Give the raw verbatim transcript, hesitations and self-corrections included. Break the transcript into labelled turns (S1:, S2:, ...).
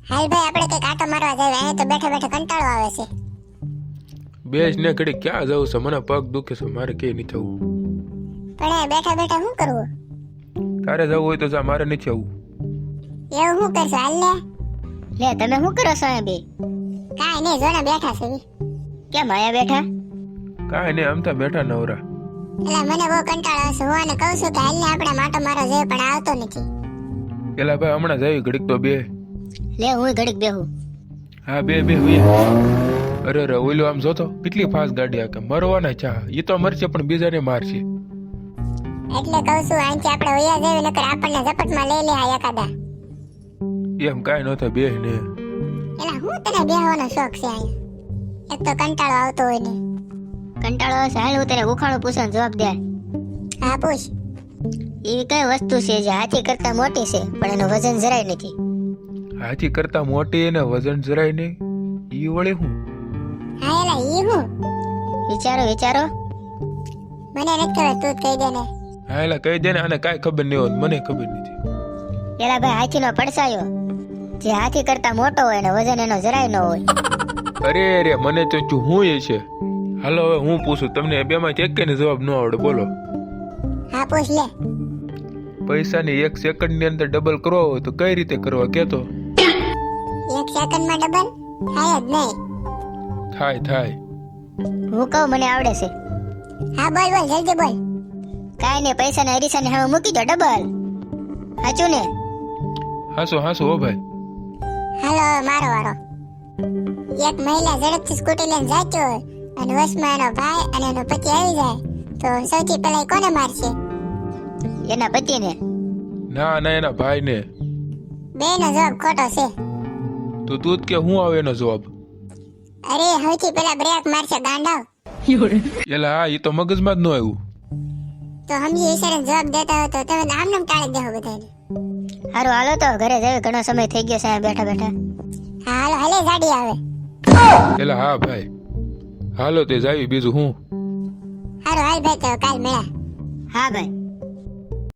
S1: હાલ ભાઈ આપણે કઈક આટો મારવા જાય, અહીંયા તો બેઠા બેઠા કંટાળો આવે છે.
S2: બેસ ને ઘડી ક્યાં જવું છે, મને પગ દુખે છે, મારે કે નહીં થવું.
S1: પણ અહીંયા બેઠા બેઠા શું કરવું?
S2: તારે જવું હોય તો જા, મારે નથી આવવું.
S1: એવું શું કરશો? હાલ ને.
S3: લે તમે શું કરો છો અહીંયા બે?
S1: કાંઈ નહીં, જોને બેઠા છે ઈ.
S3: કેમ અહીંયા બેઠા?
S2: કાંઈ નહીં, આમ તો બેઠા નવરા.
S1: એટલે મને બહુ કંટાળો આવે છે. હું આને કહું છું કે હાલ ને આપણે માટો મારવા જઈએ, પણ આવતો નથી.
S2: પેલા ભાઈ હમણાં જઈ ઘડીક તો બે.
S3: લે હું ઘડીક બેહું.
S2: હા બે બે હોય. અરે અરે ઓલો આમ જોતો કેટલી ફાસ્ટ ગાડી આકે, મરવાના ચા. એ તો મરશે પણ બીજાને મારશે.
S1: એટલે કહું છું અહીંથી આપણે વયા જઈએ, નકર આપણને ઝપટમાં લઈ લે આ એકાદા.
S2: એમ કાંઈ ન થાય, બે ને.
S1: એલા હું તને બેહવાનો શોખ છે અહીંયા? એક તો કંટાળો આવતો હોય ને.
S3: કંટાળો આવે છે, હાલ હું તને ઉખાણું પૂછવાનો જવાબ દે.
S1: હા પૂછ.
S3: એવી કઈ વસ્તુ છે જે હાથી કરતા મોટી છે પણ એનું વજન જરાય નથી?
S2: હાથી કરતા મોટી એને વજન જરાય નહીં, ઈ વળે હું?
S1: હા એલા ઈ હું?
S3: વિચારો વિચારો.
S1: મને નથી ખબર, તું જ કહી દે ને.
S2: હા એલા કહી દે ને, આને કાંઈ ખબર નહીં હોય, મને ખબર નથી.
S3: એલા ભાઈ હાથીનો પડસાયો જે હાથી કરતા મોટો હોય ને વજન એનો જરાય ન હોય.
S2: અરે અરે મને તો ચું હું એ છે. હાલો હવે હું પૂછું, તમને બે માંથી એક ને જવાબ ન આવડે, બોલો.
S1: હા પૂછ લે.
S2: પૈસાની એક સેકન્ડ ની અંદર ડબલ કરવા હોય તો કઈ રીતે કરવા કેતો?
S1: એક સેકન્ડમાં ડબલ થાય જ નહીં.
S2: થાય થાય.
S3: હું કહું મને આવડે છે.
S1: હા બોલ બોલ જલ્દી બોલ.
S3: કાંઈ નહીં, પૈસાને અરીસાને હવે મૂકી દો ડબલ. સાચું ને?
S2: હાસો હાસો હો ભાઈ.
S1: હાલો હવે મારો વારો. એક મહિલા ઝડપથી સ્કૂટી લઈને જાતી હોય અને વશમાં એનો ભાઈ અને એનો પતિ આવી જાય તો સૌથી પહેલા ઈ કોને મારશે?
S3: એના પતિને.
S2: ના ના એના ભાઈ ને.
S1: બેનો જવાબ ખોટો છે.
S2: તો તું જ કે હું આવે એનો જવાબ?
S1: અરે સૌથી પહેલા બ્રેક મારશે ગાંડાવ.
S2: એલા હા, એ તો મગજમાં જ ન આવ્યું.
S1: તો સમજી ઈશારે જવાબ દેતા હોય તો તમે આમ નામ ટાળી દેહો બધાને.
S3: હારું હાલો તો ઘરે જઈએ, ઘણો સમય થઈ ગયો છે અહીંયા બેઠા બેઠા.
S1: હા હાલો હાલે ગાડી આવે.
S2: એલા હા ભાઈ, હાલો તે જાવી, બીજું હું.
S1: હારું હાલ ભાઈ તો કાલ મળ્યા.
S3: હા ભાઈ.